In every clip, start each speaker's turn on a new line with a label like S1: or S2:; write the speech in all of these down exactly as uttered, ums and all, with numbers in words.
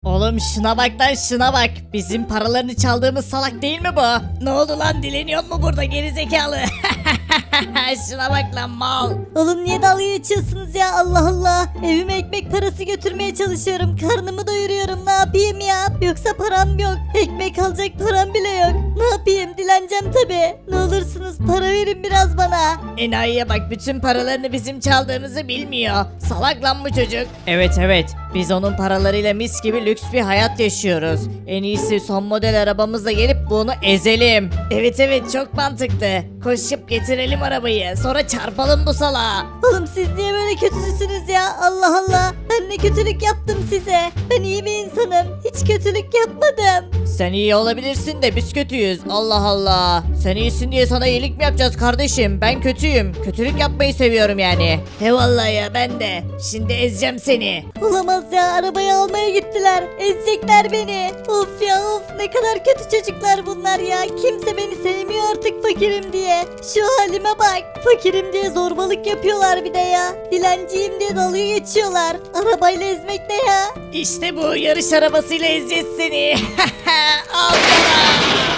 S1: Oğlum şuna bak lan şuna bak. Bizim paralarını çaldığımız salak değil mi bu? Ne oldu lan, dileniyor mu burada gerizekalı? Şuna bak lan mal.
S2: Oğlum niye dalga geçiyorsunuz ya, Allah Allah. Evime ekmek parası götürmeye çalışıyorum. Karnımı doyuruyorum, ne yapayım ya. Yoksa param yok. Ekmek alacak param bile yok. Ne yapayım, dileneceğim tabi. Ne olursunuz para verin biraz bana.
S1: Enayiye bak, bütün paralarını bizim çaldığımızı bilmiyor. Salak lan bu çocuk. Evet evet, biz onun paralarıyla mis gibi lüks bir hayat yaşıyoruz. En iyisi son model arabamızla gelip bunu ezelim. Evet evet, çok mantıklı. Koşup getirelim arabayı, sonra çarpalım bu salağa.
S2: Oğlum siz niye böyle kötüsünüz ya, Allah Allah. Ben ne kötülük yaptım size. Ben iyi bir insanım. Hiç kötülük yapmadım.
S1: Sen iyi olabilirsin de biz kötüyüz. Allah Allah. Sen iyisin diye sana iyilik mi yapacağız kardeşim? Ben kötüyüm. Kötülük yapmayı seviyorum yani. He vallahi ya, ben de. Şimdi ezeceğim seni.
S2: Olamaz ya, arabayı almaya gittiler. Ezecekler beni. Of ya of, ne kadar kötü çocuklar bunlar ya. Kimse beni sevmiyor artık fakirim diye. Şu halime bak. Fakirim diye zorbalık yapıyorlar bir de ya. Dilenciyim diye dalga geçiyorlar. Arabayla ezmek ne ya?
S1: İşte bu, yarış arabasıyla ezeceğiz seni. Al sana.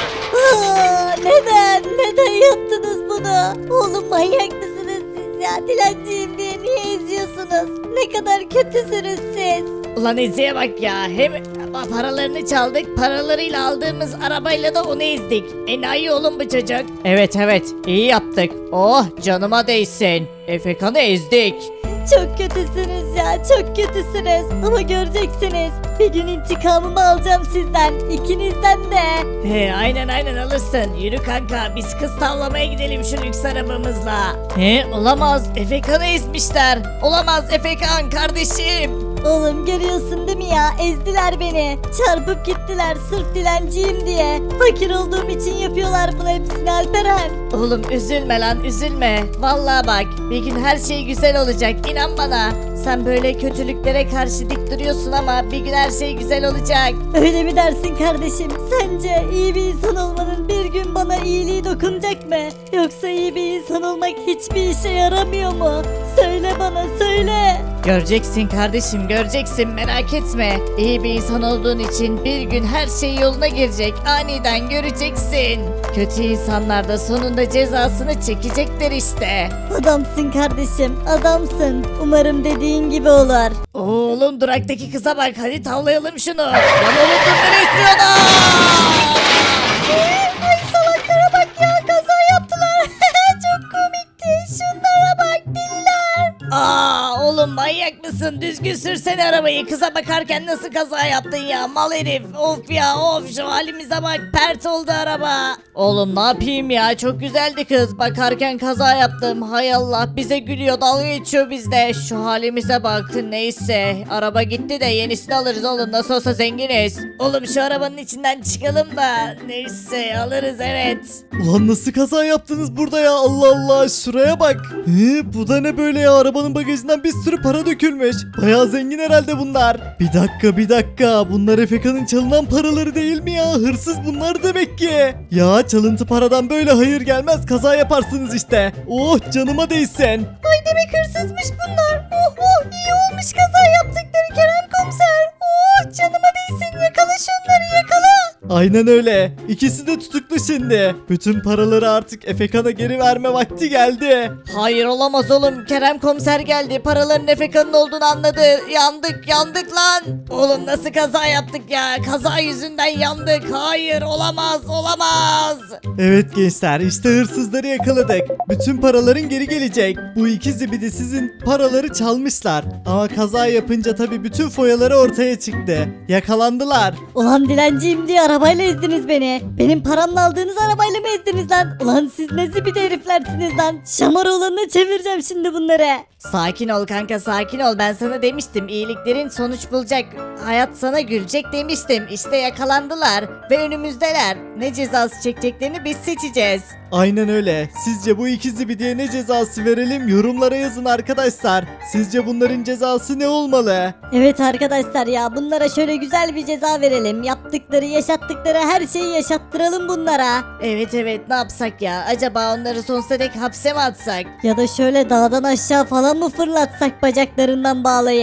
S2: Aa, neden? Neden yaptınız bunu? Oğlum manyak mısınız siz ya? Dilenciyim diye niye eziyorsunuz? Ne kadar kötüsünüz siz.
S1: Ulan Ezi'ye bak ya. Hem paralarını çaldık, paralarıyla aldığımız arabayla da onu ezdik. Enayi oğlum bu çocuk. Evet evet, iyi yaptık. Oh canıma değsin. Efekan'ı ezdik.
S2: Çok kötüsünüz ya, çok kötüsünüz. Ama göreceksiniz. Bir gün intikamımı alacağım sizden. İkinizden de.
S1: He aynen aynen, alırsın. Yürü kanka, biz kız tavlamaya gidelim şu lüks arabamızla. He olamaz, Efekan'ı ezmişler. Olamaz Efekan kardeşim.
S2: Oğlum görüyorsun değil mi ya? Ezdiler beni. Çarpıp gittiler sırf dilenciyim diye. Fakir olduğum için yapıyorlar bunu hepsini Alperen.
S1: Oğlum üzülme lan, üzülme. Vallahi bak, bir gün her şey güzel olacak, inan bana. Sen böyle kötülüklere karşı dik duruyorsun ama bir gün her şey güzel olacak.
S2: Öyle mi dersin kardeşim? Sence iyi bir insan olmanın bir gün bana iyiliği dokunacak mı? Yoksa iyi bir insan olmak hiçbir işe yaramıyor mu? Söyle bana, söyle.
S1: Göreceksin kardeşim, göreceksin, merak etme. İyi bir insan olduğun için bir gün her şey yoluna girecek. Aniden göreceksin. Kötü insanlar da sonunda cezasını çekecekler işte.
S2: Adamsın kardeşim, adamsın. Umarım dediğin gibi olur.
S1: Oğlum duraktaki kıza bak, hadi tavlayalım şunu. Lan oğlum dur, nereye istiyorsun?
S2: Ay salaklara bak ya, kaza yaptılar. Çok komikti. Şunlara bak, deliler.
S1: Aa oğlum manyak mısın? Düzgün sürsene arabayı. Kıza bakarken nasıl kaza yaptın ya? Mal herif. Of ya of, şu halimize bak. Pert oldu araba. Oğlum ne yapayım ya? Çok güzeldi kız. Bakarken kaza yaptım. Hay Allah, bize gülüyor, dalga geçiyor bizde. Şu halimize bak. Neyse, araba gitti de yenisini alırız oğlum. Nasıl olsa zenginiz. Oğlum şu arabanın içinden çıkalım da. Neyse alırız, evet.
S3: Ulan nasıl kaza yaptınız burada ya, Allah Allah, şuraya bak. He, bu da ne böyle ya, arabanın bagajından bir sürü para dökülmüş. Bayağı zengin herhalde bunlar. Bir dakika bir dakika, bunlar Efeka'nın çalınan paraları değil mi ya, hırsız bunlar demek ki. Ya çalıntı paradan böyle hayır gelmez, kaza yaparsınız işte. Oh canıma değsin.
S2: Ay demek hırsızmış bunlar. Oh oh, iyi olmuş kaza yaptıkları Kerem komiser. Oh canıma değsin, yakala şunları, yakala.
S3: Aynen öyle. İkisi de tutuklu şimdi. Bütün paraları artık Efekan'a geri verme vakti geldi.
S1: Hayır olamaz oğlum. Kerem komiser geldi. Paraların Efeka'nın olduğunu anladı. Yandık yandık lan. Oğlum nasıl kaza yaptık ya? Kaza yüzünden yandık. Hayır olamaz olamaz.
S3: Evet gençler, işte hırsızları yakaladık. Bütün paraların geri gelecek. Bu iki zibidi sizin paraları çalmışlar. Ama kaza yapınca tabii bütün foyaları ortaya çıktı. Yakalandılar.
S2: Ulan dilenciyim diye arabayla ezdiniz beni. Benim paramla aldığınız arabayla mı ezdiniz lan? Ulan siz ne zibidi heriflersiniz lan. Şamaroğlanına çevireceğim şimdi bunları.
S1: Sakin ol kanka, sakin ol. Ben sana demiştim, iyiliklerin sonuç bulacak. Hayat sana gülecek demiştim. İşte yakalandılar ve önümüzdeler. Ne cezası çekeceklerini biz seçeceğiz.
S3: Aynen öyle. Sizce bu iki zibidiye ne cezası verelim? Yorumlara yazın arkadaşlar. Sizce bunların cezası ne olmalı?
S2: Evet arkadaşlar ya, bunlara şöyle güzel bir ceza verelim. Yaptıkları, yaşattıkları her şeyi yaşattıralım bunlara.
S1: Evet evet, ne yapsak ya? Acaba onları sonsuza dek hapse mi atsak?
S2: Ya da şöyle dağdan aşağı falan mı fırlatsak bacaklarından bağlayıp?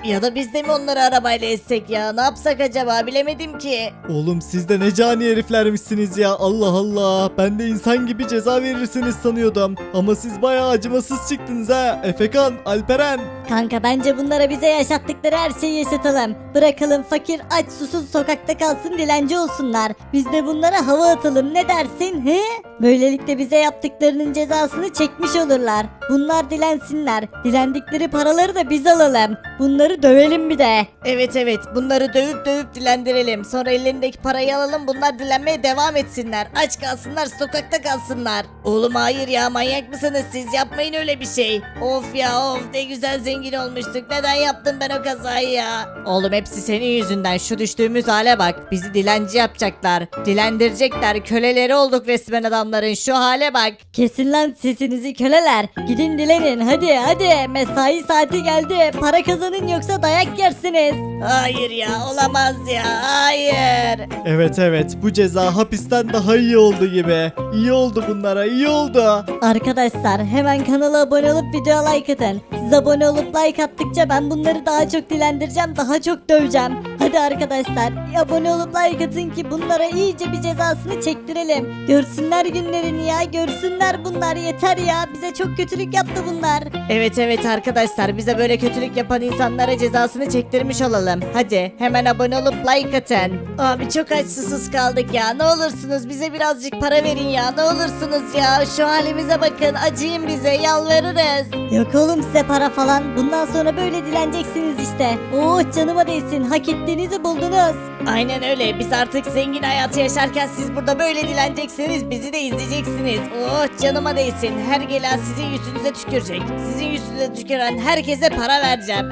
S1: Ya da biz de mi onları arabayla ezsek ya? Ne yapsak acaba? Bilemedim ki.
S3: Oğlum siz de ne cani heriflermişsiniz ya. Allah Allah. Ben de insan gibi ceza verirsiniz sanıyordum. Ama siz bayağı acımasız çıktınız ha. Efekan, Alperen.
S2: Kanka bence bunlara bize yaşattıkları her şeyi yaşatalım. Bırakalım fakir aç susuz sokakta kalsın dilenci olsunlar. Biz de bunlara hava atalım ne dersin he? Böylelikle bize yaptıklarının cezasını çekmiş olurlar. Bunlar dilensinler. Dilendikleri paraları da biz alalım. Bunları dövelim bir de.
S1: Evet evet bunları dövüp dövüp dilendirelim. Sonra ellerindeki parayı alalım bunlar dilenmeye devam etsinler. Aç kalsınlar sokakta kalsınlar. Oğlum hayır ya manyak mısınız siz yapmayın öyle bir şey. Of ya of ne güzel zengin olmuştuk. Neden yaptım ben o kazayı ya? Oğlum hepsi senin yüzünden şu düştüğümüz hale bak. Bizi dilenci yapacaklar. Dilendirecekler. Köleleri olduk resmen adamların şu hale bak.
S2: Kesin lan sesinizi köleler. Gidin dilenin hadi hadi. Mesai saati geldi. Para kazanın yoksa dayak yersiniz.
S1: Hayır ya olamaz ya hayır.
S3: Evet evet bu ceza hapisten daha iyi oldu gibi. İyi oldu bunlara iyi oldu.
S2: Arkadaşlar hemen kanala abone olup videoya like atın. Siz abone olup like attıkça ben bunları daha çok dilendireceğim, daha çok döveceğim. Hadi arkadaşlar abone olup like atın ki bunlara iyice bir cezasını çektirelim. Görsünler günlerini ya, görsünler bunlar yeter ya. Bize çok kötülük yaptı bunlar.
S1: Evet evet arkadaşlar bize böyle kötülük yapan insanlara cezasını çektirmiş olalım. Hadi hemen abone olup like atın. Abi çok aç susuz kaldık ya. Ne olursunuz bize birazcık para verin ya. Ne olursunuz ya. Şu halimize bakın. Acıyın bize. Yalvarırız.
S2: Yok oğlum size para falan. Bundan sonra böyle dileneceksiniz işte. Oh canıma değsin. Hak ettiğinizi buldunuz.
S1: Aynen öyle. Biz artık zengin hayatı yaşarken siz burada böyle dileneceksiniz. Bizi de izleyeceksiniz. Oh canıma değsin. Her gelen sizin yüzünüze tükürecek. Sizin yüzünüze tüküren herkese para vereceğim.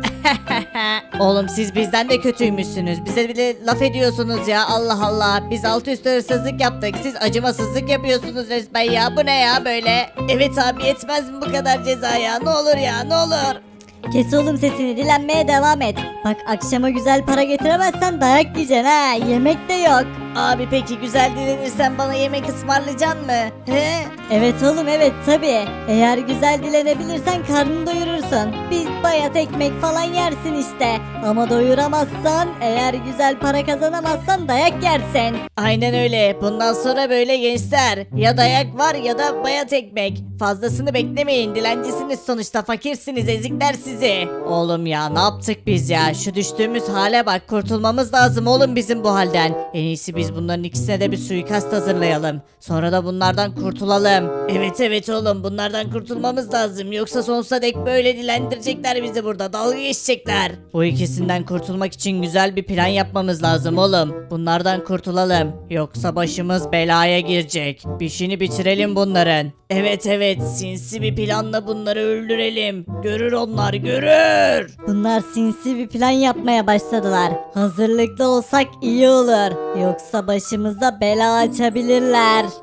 S1: Oğlum siz bizden de kötüymüşsünüz. Bize bile laf ediyorsunuz ya. Allah Allah. Biz altı üstü hırsızlık yaptık. Siz acımasızlık yapıyorsunuz resmen ya. Bu ne ya böyle? Evet abi yetmez mi bu kadar ceza ya? Ne olur ya ne olur.
S2: Kes oğlum sesini, dilenmeye devam et. Bak akşama güzel para getiremezsen dayak yiyeceksin ha. Yemek de yok.
S1: Abi peki güzel dilenirsen bana yemek ısmarlayacaksın mı? He?
S2: Evet oğlum evet tabi. Eğer güzel dilenebilirsen karnını doyurursun. Bir bayat ekmek falan yersin işte. Ama doyuramazsan, eğer güzel para kazanamazsan dayak yersin.
S1: Aynen öyle. Bundan sonra böyle gençler. Ya dayak var ya da bayat ekmek. Fazlasını beklemeyin. Dilencisiniz sonuçta. Fakirsiniz. Ezikler sizi. Oğlum ya ne yaptık biz ya? Şu düştüğümüz hale bak. Kurtulmamız lazım oğlum bizim bu halden. En iyisi biz bunların ikisine de bir suikast hazırlayalım. Sonra da bunlardan kurtulalım. Evet evet oğlum bunlardan kurtulmamız lazım. Yoksa sonsuza dek böyle dilendirecekler bizi burada. Dalga geçecekler. Bu ikisinden kurtulmak için güzel bir plan yapmamız lazım oğlum. Bunlardan kurtulalım. Yoksa başımız belaya girecek. İşini bitirelim bunların. Evet evet sinsi bir planla bunları öldürelim. Görür onlar görür.
S2: Bunlar sinsi bir plan yapmaya başladılar. Hazırlıklı olsak iyi olur. Yoksa başımıza bela açabilirler.